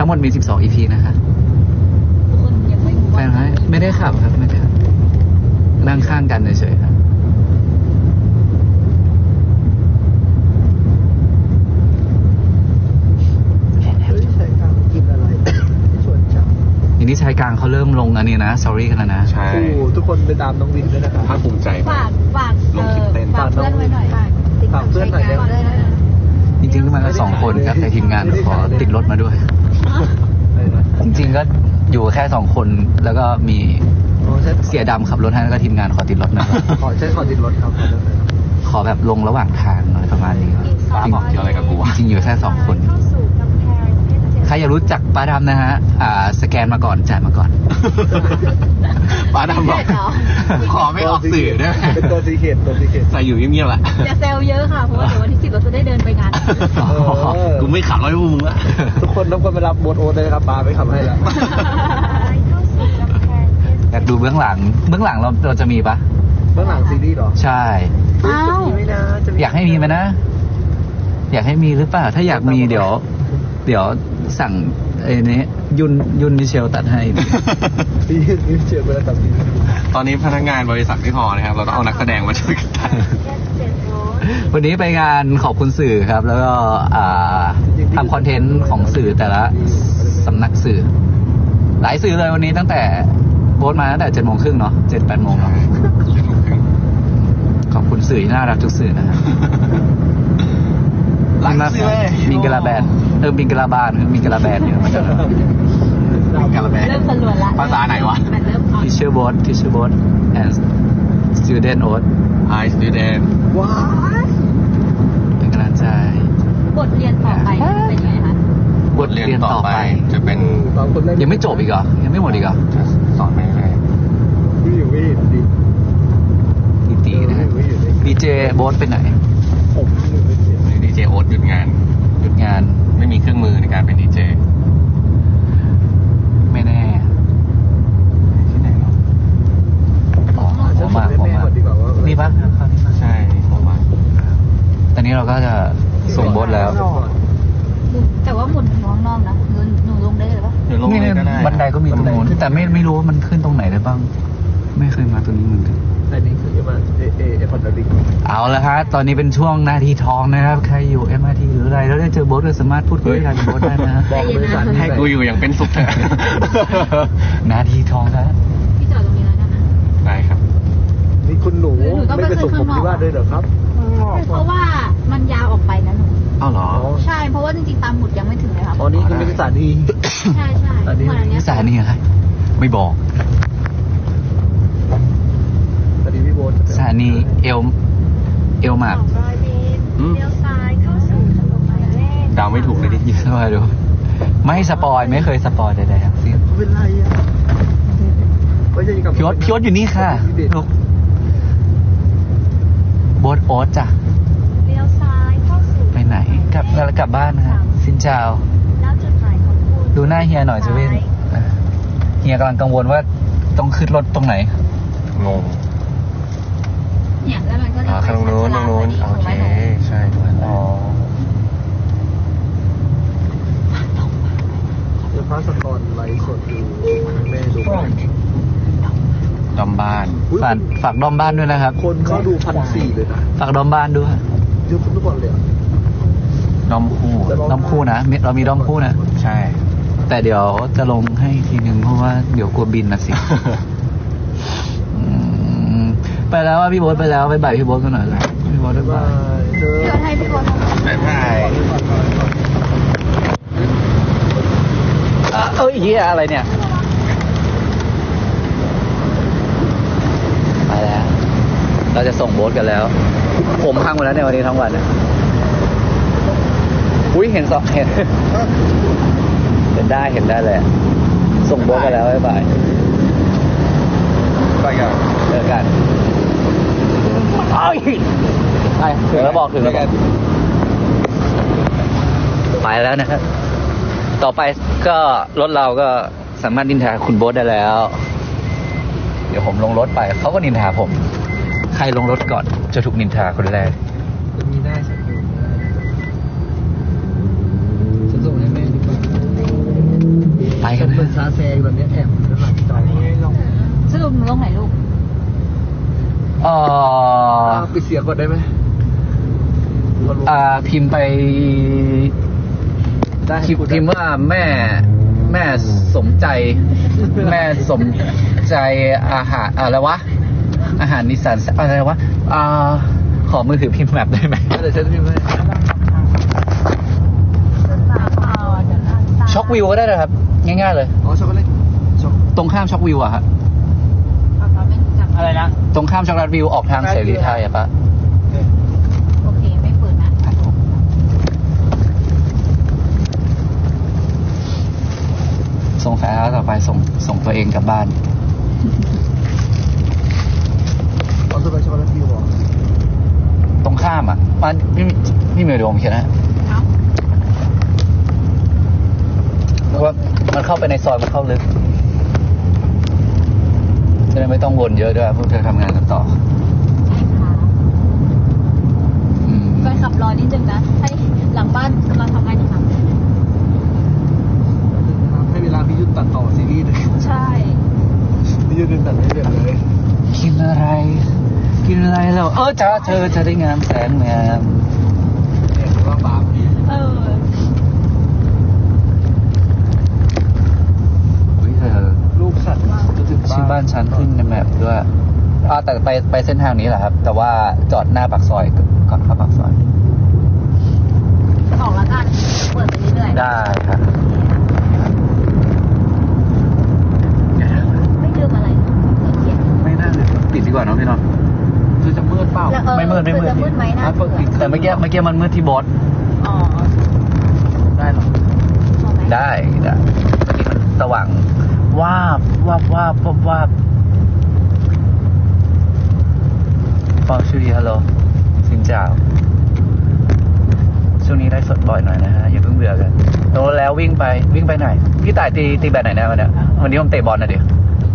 งหมดมี12 EP นะคะทุกคนยังไม่รู้แฟว่านไม่ได้ขับครับไม่ได้ขับนั่งข้างกันเฉยๆครับทีนี้ชายกลางเขาเริ่มลงอันนี้นะ sorry กันแล้วนะใช่ทุกคนไปตามน้องวินด้วยนะครับภาคภูมิใจฝากลงคลิปเต้นฝากเพื่อนไว้หน่อยฝากเพื่อนหน่อยได้ไหมจริงๆก็มาแค่2 คนครับแต่ทีมงานขอติดรถมาด้วย จริงๆก็อยู่แค่2 คนแล้วก็มีเสียดำขับรถให้แล้วก็ทีมงานขอติดรถนะครับขอติดรถครับขอแบบลงระหว่างทางหน่อยประมาณนี้ครับป้าบอกเกี่ยวอะไรกับกูวะจริงๆอยู่แค่2 คน ใครอยากรู้จักป้าดำนะฮะสแกนมาก่อนจ่ายมาก่อนป้าดำบอกขอไม่ออกสื่อได้ไหมเป็นตัวซีเคทใส่อยู่เงียบๆแหละอย่าเซลเยอะค่ะเพราะว่าเดี๋ยววันที่10เราจะได้เดินไปงานกูไม่ขับรถให้พวกมึงละทุกคนต้องไปรับโบทโอ๊ตเลยครับปาไปขับให้แล้วอยากดูเบื้องหลังเราจะมีปะเบื้องหลังซีรีส์เหรอใช่อ้าวมีไหมนะอยากให้มีไหมนะ อยากให้มีหรือเปล่าถ้าอยากมีเดี๋ยวสั่งไอ้นี้ยุนมิเชลตัดให้พี่เชื่อไปแล้วครับพี่ตอนนี้พนักงานบริษัทไม่พอนะครับ เราต้องเอานักแสดงมาช่วยกันตัดวันนี้ไปงานขอบคุณสื่อครับ แล้วก็ทำคอนเทนต์ของสื่อแต่ละสำนักสื่อ หลายสื่อเลยวันนี้ตั้งแต่โพสต์มาตั้งแต่7:30เนาะ7-8 โมงเนาะขอบคุณสื่อที่น่ารักทุกสื่อนะครับหลังสื่อเลยมิงกะลาแบนมิงกะลาบานมิงกะลาแบนเนี่ยมันจะกาลาแบนเริ่มสลวนละภาษาไหนวะมันเริ่มอ่อน teacher boat and student oat Hi student ว้าเป็นกำลังใจบทเรียนต่อไปเป็นยังไงคะบทเรียนต่อไปจะเป็นตอนคนแรกยังไม่จบอีกเหรอยังไม่หมดอีกเหรอจะสอนไม่ได้พี่อยู่ไม่เห็นดิตีนะฮะดีเจโบ๊ทไปไหนผมอยู่ไม่เห็นวันนี้ดีเจโอ๊ตหยุดงานหยุดงานไม่มีเครื่องมือในการเป็นดีเจไม่แน่ที่ไหนเนาะอ๋อผมมาแม่ก่อนดีกว่าว่านี่ปะใช่ผมว่าตอนนี้เราก็จะส่งโบ๊ทแล้วแต่ว่าหมุนถึงข้างนอกนะหนูลงได้เลยปะเดี๋ยวลงนี่เลยก็ได้บันไดก็มีตรงนู้นแต่ไม่รู้ว่ามันขึ้นตรงไหนได้บ้าง ไม่เคยมาตรงนี้เหมือนกันอันนี้คือมาเอพอดดิกเอาละฮะตอนนี้เป็นช่วงนาทีทองนะครับใครอยู่ MRT หรืออะไรแล้วได้เจอโบ๊ทก็สามารถพูดคุยกับโบ๊ทได้นะบอกบริษัทให้กูอยู่อย่างเป็นสุขเถอะนาทีทองครับพี่จอดตรงนี้แล้วนะได้ครับนี่คุณหนูไม่ไปส่งผมที่ว่าด้วยเหรอครับเพราะว่ามันยาวออกไปนะหนูเอ้าเหรอใช่เพราะว่าจริงๆตามหมุดยังไม่ถึงเลยครับอ๋อนี่คือเป็นสถานีใช่เหมือนอันเนี้ยสถานีอะไรไม่บอกสถานีพี่โบ๊ทสถานีเอลมาร์อืมเลี้ยวซ้ายเข้าสู่ถนนหมายเลขเดาไม่ถูกเลยดิยินดีดูไม่สปอยไม่เคยสปอยใดๆทั้งสิ้นเป็นไรอ่ะไม่ใช่กับพี่โอ๊ตอยู่นี่ค่ะลูกโบ๊ทโอ๊ตจ้ะเลี้ยวซ้ายเข้าสู่ไปไหนกลับบ้านนะฮะสินเจ้าแล้วจุดหมายของคุณดูหน้าเฮียหน่อยจะเว้นเฮียกำลังกังวลว่าต้องขึ้นรถตรงไหนงงเนี่ยแล้วมันก็จะข้างโน้นโอเค ใช่อ๋อเดี๋ยวพระสกรไลฟ์สดดูแม่ดูดอมบ้านฝากดอมบ้านด้วยนะครับคนเขาดู1,400เลยนะฝากดอมบ้านด้วยเยอะทุกคนเลยอ่ะดอมคู่ดอมคู่นะเรามีดอมคู่นะใช่แต่เดี๋ยวจะลงให้อีกทีนึงเพราะว่าเดี๋ยวกลัวบินนะสิ ไปแล้วว่าพี่โบ๊ทไปแล้วไปบ่ายพี่โบ๊ทกันหน่อยเลยพี่โบ๊ทบ๊ายบายเจอเดี๋ยวให้พี่โบ๊ททำบ๊ายบายเอ้ยเฮียอะไรเนี่ยไปแล้ว เราจะส่งโบ๊ทกันแล้ว ผมพังหมดแล้วในวันนี้ทั้งวันนะอุ้ยเห็นเห็นได้เลยส่งโบ๊ทกันแล้วบ๊ายบายไปกันเจอกันไปถึงแล้วบอกไปแล้วนะครับต่อไปก็รถเราก็สามารถนินทาคุณโบ๊ทได้แล้ว เดี๋ยวผมลงรถไปเขาก็นินทาผม ใครลงรถก่อนจะถูกนินทาคนแรกมีได้สักคนฉันส่งให้แม่ดีกว่าปิดเสียงก่อนได้ไหมพิมพ์ไปได้พิมพ์ว่าแม่สมใจ แม่สมใจอาหารอะไรวะ อาหารนิสสันอะไรวะขอมือถือพิมพ์แมปได้ไหมเดี๋ยวฉันพิมพ์ให้ช็อกวิวก็ได้นะครับ ง่ายๆเลยอ๋อช็อกโกแลตช็อกตรงข้ามช็อกวิวอะฮะอะไรนะตรงข้ามช็อกโกแลตวิวออกทางเสรีไทยอะปะโอเคไม่เปิดนะส่งสายแล้วต่อไปส่งตัวเองกลับบ้านเอาช็อกโกแลตช็อกโกแลตฟิวเหรอตรงข้ามอะมันพี่เมย์ดูผมเขียนนะเอ้าเพราะว่ามันเข้าไปในซอยมันเข้าลึกจะได้ไม่ต้องวนเยอะด้วยพวกเธอทำงานกันต่อใช่ค่ะอืมไปขับรอนิดนึงนะให้หลังบ้านกำลังทำงานอยู่ค่ะให้เวลาพี่ยุ่นตัดต่อซีรีส์เลยใช่พี่ยุ่นตัดให้เสร็จเลยกินอะไรแล้วจ้าเธอจะได้งามแสนงามเนี่ยว่าบาปเออเฮ้ยเธอลูกสัตว์จะถึงชื่อบ้านฉันขึ้นในแมปด้วยแต่ไปเส้นทางนี้แหละครับ แต่ว่าจอดหน้าปากซอยก่อนเข้าปากซอยออกแล้วกันเปิดไปเรื่อยๆได้ครับไม่ลืมอะไรเขียนไม่น่าเลยปิดดีกว่าเนาะพี่น้องคือจะมืดเปล่าแล้วไม่มืดจะมืดไหมนะเปิดปิดแต่เมื่อกี้มันมืดที่บอสอ๋อได้หรอเอาไหมได้เมื่อกี้มันสว่างวาบฟองชื่อฮัลโหลสินเจ้าช่วงนี้ได้สดบ่อยหน่อยนะฮะอย่าเพิ่งเบื่อกันโตแล้ววิ่งไปไหนพี่ต่ายตีแบบไหนนะวันเนี้ยวันนี้ผมเตะบอลนะเดี๋ยว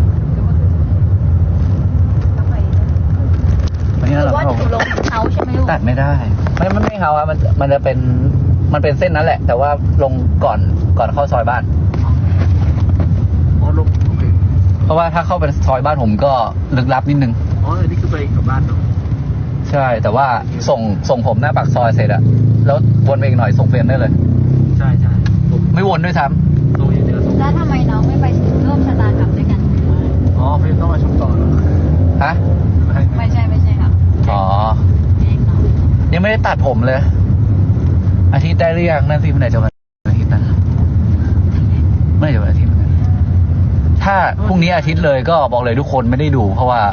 วันนี้หรืเราอว่าอยู่ลงเขาใช่ไหมลูกตัดไม่ได้มันไม่เขาอะมันจะเป็นเส้นนั้นแหละ แต่ว่าลงก่อนเข้าซอยบ้านอ๋อลงโอเคเพราะว่าถ้าเข้าไปซอยบ้านผมก็ลึกลับนิดนึงอ๋ออันนี้คือไปกลับบ้านเนาะใช่ แต่ว่าส่งผมหน้าปากซอยเสร็จอะแล้ววนไปอีกหน่อยส่งเฟรมได้เลยใช่ผมไม่วนด้วยซ้ลงอย่างเดียวส่งแล้วทำไมน้องไม่ไปร่วมชะตากรรมด้วยกันอ๋อไม่ต้องมาชมต่อเหรอำฮะไม่ใช่ค่ะอ๋อเองเนาะยังไม่ได้ตัดผมเลย อาทิตย์ได้หรือยังนั่นสิเมื่อไหร่จะวันอาทิตย์นะเมื่อไหร่จะวันอาทิตย์นะถ้าพรุ่งนี้อาทิตย์เลยก็บอกเลยทุกคนไม่ได้ดู เพราะว่า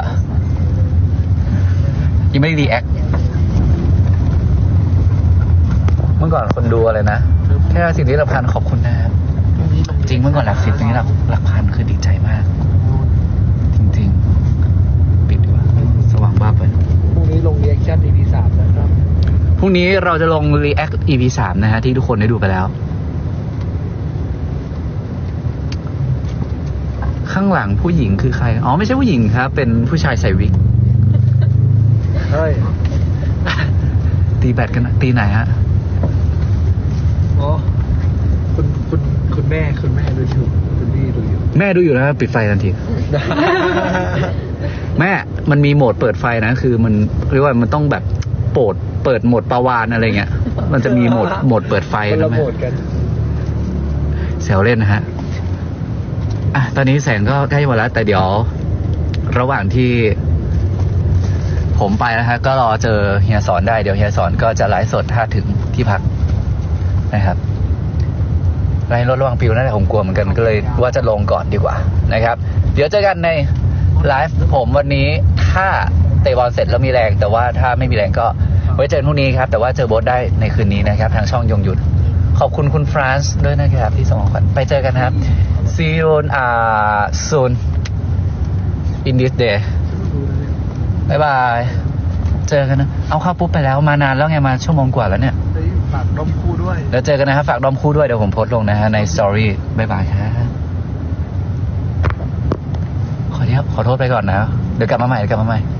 ยังไม่ได้รีแอคเมื่อก่อนคนดูอะไรนะแค่10 ที่ละพันขอบคุณนะครับจริงเมื่อก่อนหลัก 10นี้หลักพันคือดีใจมาก จริงๆปิดดีกว่าสว่างบ้าไปพรุ่งนี้ลงรีแอคชั่น EP 3นะครับพรุ่งนี้เราจะลง React EP 3 นะฮะที่ทุกคนได้ดูไปแล้ว ข้างหลังผู้หญิงคือใคร อ๋อ ไม่ใช่ผู้หญิงครับ เป็นผู้ชายใส่วิกเฮ้ยตีแบดกันนะตีไหนฮะอ๋อคุณแม่ดูอยู่คุณพี่ดูอยู่แม่ดูอยู่นะปิดไฟทันที แม่ มันมีโหมดเปิดไฟนะ คือมันเรียกว่ามันต้องแบบเปิดโหมดปลาวานอะไรเงี้ย มันจะมีโหมดเปิดไฟคนนะละแม่โหมดกันแซวเล่นนะฮะ ตอนนี้แสงก็ใกล้หมดแล้ว แต่เดี๋ยว ระหว่างที่ผมไปนะฮะ ก็รอเจอเฮียสอนได้ เดี๋ยวเฮียสอนก็จะไลฟ์สดถ้าถึงที่พักนะครับไลฟ์รถระหว่างปิวนั่นแหละผมกลัวเหมือนกัน ก็เลยว่าจะลงก่อนดีกว่านะครับ เดี๋ยวเจอกันในไลฟ์ผมวันนี้ ถ้าเตะบอลเสร็จแล้วมีแรง แต่ว่าถ้าไม่มีแรงก็ไว้เจอพรุ่งนี้ครับ แต่ว่าเจอโบ๊ทได้ในคืนนี้นะครับ ทางช่องยงหยุด ขอบคุณคุณฟรานซ์ด้วยนะครับที่ส่งของขวัญไปเจอกันครับ see you soon in this day บ๊ายบาย เจอกันนะ เอาเข้าปุ๊บไปแล้วมานานแล้วไงมาชั่วโมงกว่าแล้วเนี่ยฝากดมคู่ด้วยเดี๋ยวเจอกันนะครับ ฝากดอมคู่ด้วย เดี๋ยวผมโพสต์ลงนะฮะในสตอรี่บ๊ายบายครับขอโทษไปก่อนนะ เดี๋ยวกลับมาใหม่